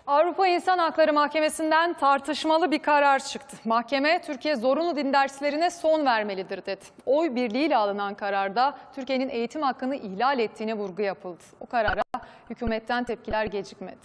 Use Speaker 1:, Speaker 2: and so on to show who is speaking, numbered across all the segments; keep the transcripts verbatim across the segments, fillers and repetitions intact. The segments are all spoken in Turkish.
Speaker 1: Avrupa İnsan Hakları Mahkemesi'nden tartışmalı bir karar çıktı. Mahkeme, Türkiye zorunlu din derslerine son vermelidir dedi. Oy birliğiyle alınan kararda Türkiye'nin eğitim hakkını ihlal ettiğine vurgu yapıldı. O karara hükümetten tepkiler gecikmedi.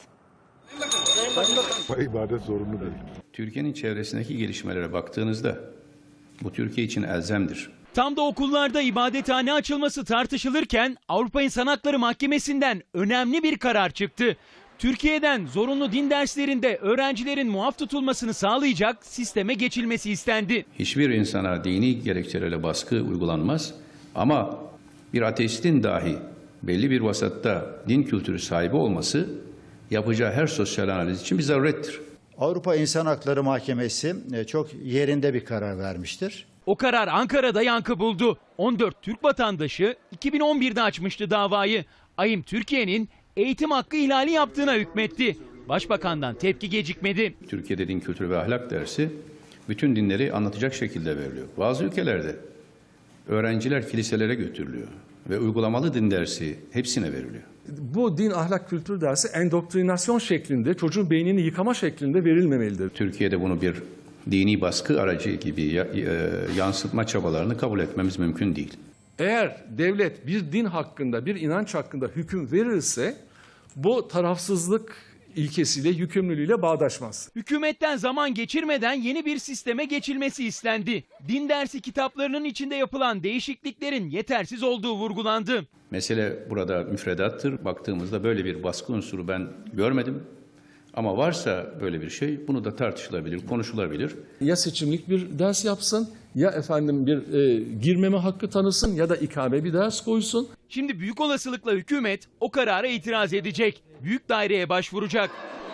Speaker 2: İbadet zorunlu değil.
Speaker 3: Türkiye'nin çevresindeki gelişmelere baktığınızda bu Türkiye için elzemdir.
Speaker 4: Tam da okullarda ibadethane açılması tartışılırken Avrupa İnsan Hakları Mahkemesi'nden önemli bir karar çıktı. Türkiye'den zorunlu din derslerinde öğrencilerin muaf tutulmasını sağlayacak sisteme geçilmesi istendi.
Speaker 3: Hiçbir insana dini gerekçelerle baskı uygulanmaz ama bir ateistin dahi belli bir vasatta din kültürü sahibi olması yapacağı her sosyal analiz için bir zarurettir.
Speaker 5: Avrupa İnsan Hakları Mahkemesi çok yerinde bir karar vermiştir.
Speaker 4: O karar Ankara'da yankı buldu. on dört Türk vatandaşı iki bin on birde açmıştı davayı. AİM Türkiye'nin eğitim hakkı ihlali yaptığına hükmetti. Başbakandan tepki gecikmedi.
Speaker 3: Türkiye'de din kültürü ve ahlak dersi bütün dinleri anlatacak şekilde veriliyor. Bazı ülkelerde öğrenciler kiliselere götürülüyor ve uygulamalı din dersi hepsine veriliyor.
Speaker 2: Bu din ahlak kültür dersi endoktrinasyon şeklinde, çocuğun beynini yıkama şeklinde verilmemelidir.
Speaker 3: Türkiye'de bunu bir dini baskı aracı gibi yansıtma çabalarını kabul etmemiz mümkün değil.
Speaker 2: Eğer devlet bir din hakkında, bir inanç hakkında hüküm verirse bu tarafsızlık ilkesiyle, yükümlülüğüyle bağdaşmaz.
Speaker 4: Hükümetten zaman geçirmeden yeni bir sisteme geçilmesi istendi. Din dersi kitaplarının içinde yapılan değişikliklerin yetersiz olduğu vurgulandı.
Speaker 3: Mesele burada müfredattır. Baktığımızda böyle bir baskı unsuru ben görmedim. Ama varsa böyle bir şey bunu da tartışılabilir, konuşulabilir.
Speaker 2: Ya seçimlik bir ders yapsın, ya efendim bir e, girmeme hakkı tanısın ya da ikame bir ders koysun.
Speaker 4: Şimdi büyük olasılıkla hükümet o karara itiraz edecek. Büyük daireye başvuracak.